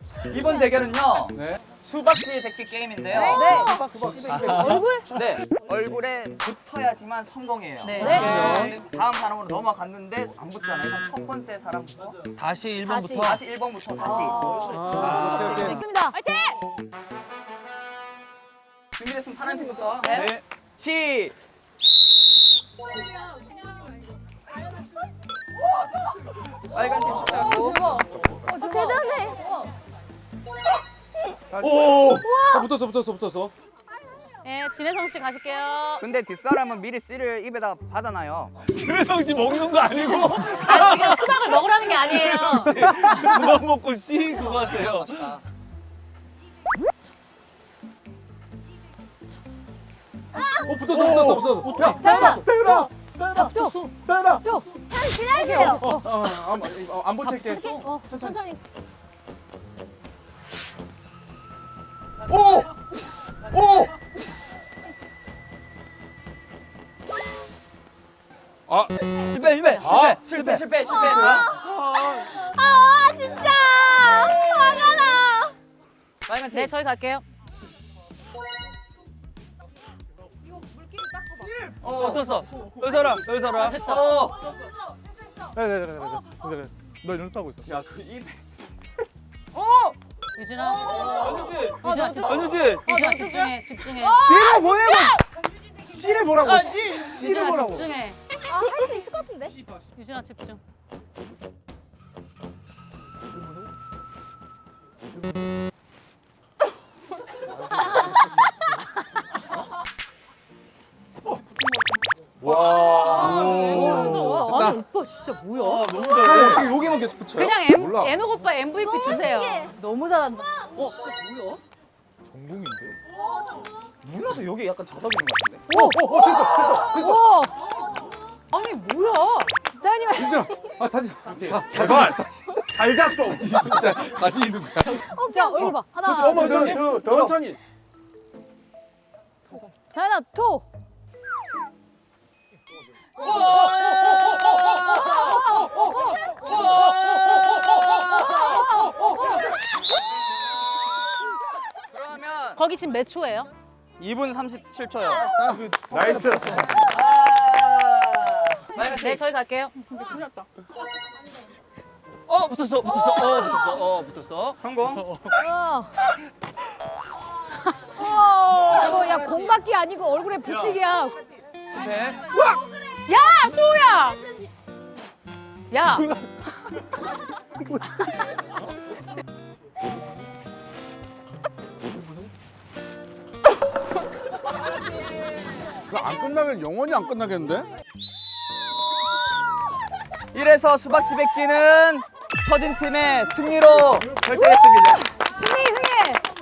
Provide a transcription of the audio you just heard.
이번 대결은요. 네. 수박씨 뱉기 게임인데요. 얼굴? 네. 얼굴에 붙어야지만 성공이에요. 네. 다음 사람으로 넘어갔는데 안 붙잖아요. 그럼 첫 번째 사람부터 다시 1번부터. 다시 1번부터 다시. 오케이, 오케이. 좋습니다. 화이팅! 준비됐으면 파란 팀부터. 네. 시. 빨간 팀 시작하고. 대단해. 오! 붙었어. 네, 진혜성 씨 가실게요. 근데 뒷사람은 미리 씨를 입에다 받아놔요. 김혜성 씨 먹는 거 아니고 아, 지금 수박을 먹으라는 게 아니에요. 수박 먹고 씨 그거 하세요. 붙었어. 야, 태윤아. 쭉. 참 기다리세요. 안 버틸게. 천천히. 오! 오! 실패. 아 진짜 화가 나. 빨간 팀. 네, 저희 갈게요. 붙었어. 여기 서라. 됐어. 네. 너 이런 따고 있어. 야, 그 입에. 유진아. 아니지. 아니지. 유진아, 집중해. 얘가 뭐냐고. 씨를 뭐라고. 씨를 유진아, 뭐라고. 집중해. 아 할 수 있을 것 같은데. 유진아, 집중. 아니, 오빠 진짜 뭐야? 어떻게 여기만 계속 붙여요? 그냥 몰라. 애녹 오빠 MVP 주세요. 신기해. 너무 잘한다. 전공인데. 누나도 여기 약간 자석 있는 것 같은데. 됐어. 우와. 아니, 뭐야? 대현님. 유진아. 다시. 제발. 살짝 좀. 진짜 다시 있는 거야. 자 얼굴 봐. 하나. 천천히. 하나 투. 그러면 거기 지금 몇 초예요? 2분 37초요. 나이스. 네, 저희 갈게요. 붙었어. 성공. 이거 야 공받기 아니고 얼굴에 붙이기야. 네. 야, 소우야. 야. 안 끝나면 영원히 안 끝나겠는데? 이래서 수박씨 뱉기는 서진 팀의 승리로 결정했습니다. 승리.